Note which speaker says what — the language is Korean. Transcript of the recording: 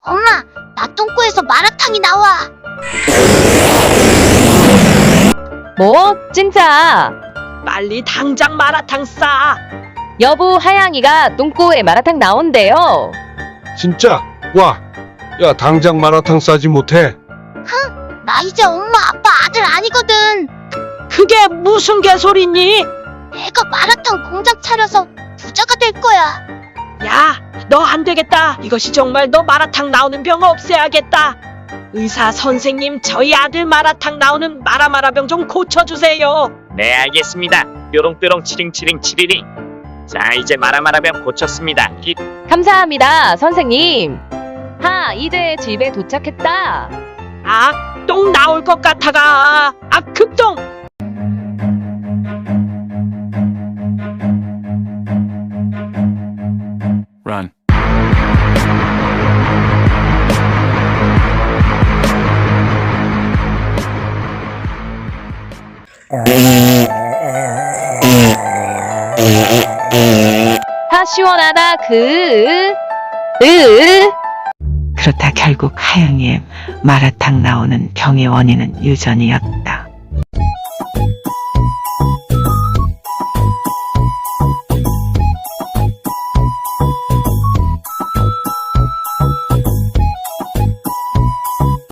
Speaker 1: 엄마, 나 똥꼬에서 마라탕이 나와.
Speaker 2: 뭐? 진짜?
Speaker 3: 빨리 당장 마라탕 싸.
Speaker 2: 여보, 하양이가 똥꼬에 마라탕 나온대요.
Speaker 4: 진짜? 와, 야 당장 마라탕 싸지 못해?
Speaker 1: 나 이제 엄마 아빠 아들 아니거든.
Speaker 3: 그게 무슨 개소리니?
Speaker 1: 내가 마라탕 공장 차려서 부자가 될 거야.
Speaker 3: 야, 너 안 되겠다. 이것이 정말 너 마라탕 나오는 병 없애야겠다. 의사 선생님, 저희 아들 마라탕 나오는 마라마라병 좀 고쳐주세요.
Speaker 5: 네, 알겠습니다. 뾰롱뾰롱 치링치링 치리링. 자, 이제 마라마라병 고쳤습니다.
Speaker 2: 감사합니다, 선생님. 이제 집에 도착했다.
Speaker 3: 똥 나올 것 같아가. 급똥.
Speaker 6: Run.
Speaker 2: 시원하다,
Speaker 7: 그렇다 결국 하양이의 마라탕 나오는 병의 원인은 유전이었다.